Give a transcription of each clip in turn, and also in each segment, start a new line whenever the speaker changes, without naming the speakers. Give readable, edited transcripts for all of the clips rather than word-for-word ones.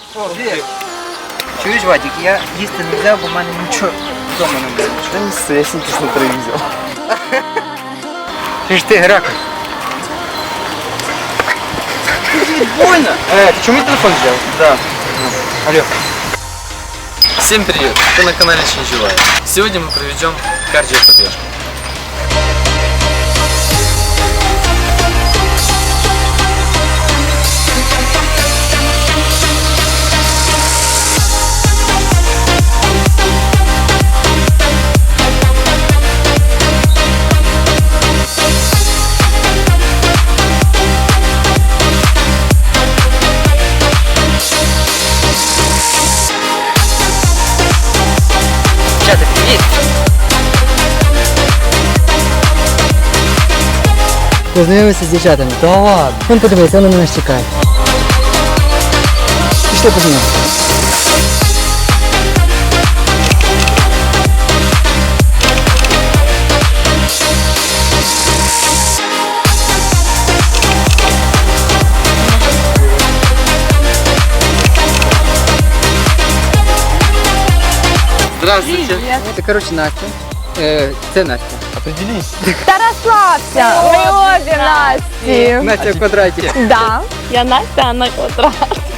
О, привіт. Чуєш, Вадик, я їсти не взяв, бо в мене нічого вдома не було.
Да не ссы, я синтез на троих взял.
Ти ж ти, Геракл.
Больно? Ты что, мне телефон взял?
Да. Алло.
Всем привет! Вы на канале Чинжевая. Сегодня мы проведем кардиопробежку.
Чата, привіт.
Познайомився з дівчатами. Та ладно. Вон подивись, вони на нас чекають. Пішли познайомимося.
Здравствуйте!
Це, коротше, Настя. Це Настя.
Определись.
Та розслабся, ми обі Насті.
Настя в квадраті.
Да, я Настя на квадрат.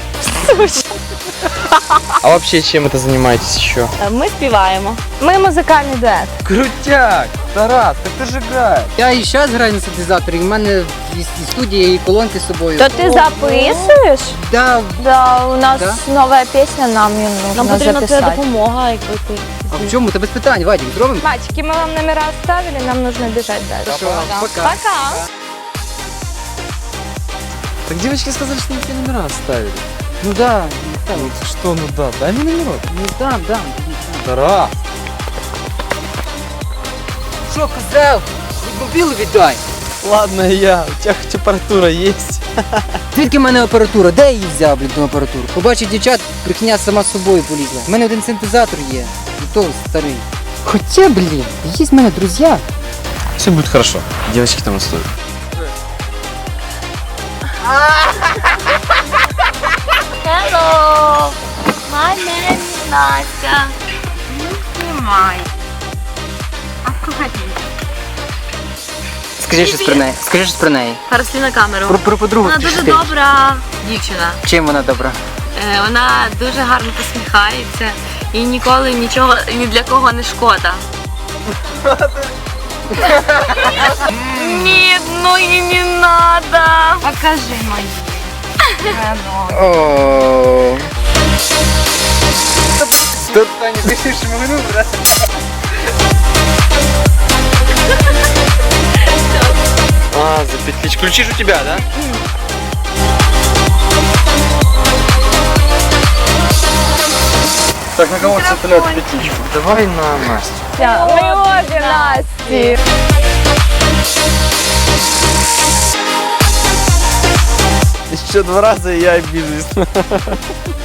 А вообще чем это занимаетесь еще?
Ми співаємо. Ми музикальний дует.
Крутяк! Тарас, как ты же играешь?
Я і зараз граю на синтезаторі, в мене і студія, і колонки з собою.
То ти записуєш?
Да.
Да, у нас
Да?
нова пісня, нам її
Нам
нужно
потрібна твоя
записати.
допомога, якби ти.
А в чому? Та без питань, Вадик, зробимо?
Мальчики, мы вам номера оставили, нам нужно бежать дальше.
Хорошо, пока.
Пока.
Так девочки сказали, что они тебе номера оставили.
Ну да,
Ну что, ну да, дай мне номерок.
ну дам.
Тарас!
Що казав? Мобілу віддай.
Ладно, я. У тебя хоть аппаратура есть?
Звідки в мене апаратура? Де я її взяв, блін, ту апаратуру? Побачив дівчат, брехня сама собою полізла. У мене один синтезатор є, і то старий. Хоча, блін, є в мене друзі.
Все будет хорошо. Девочки там стоят.
Hello! My name is Настя. Не знімай. А проходи.
Скажи щось про неї. Скажи щось про неї.
Пересли на камеру.
Про подругу.
Вона
скажи
дуже
ти.
добра дівчина.
Чим вона добра?
Вона дуже гарно посміхається і ніколи нічого ні для кого не шкода. Ні, ну і не надо. Покажи мої.
О. Тут Таня, пишеш мою, брат.
А, за петличку. Ключи же у тебя, да? Так, на кого цеплять петличку? Давай на Настю.
Мы обе Насти.
Еще 2 раза, и я обижусь.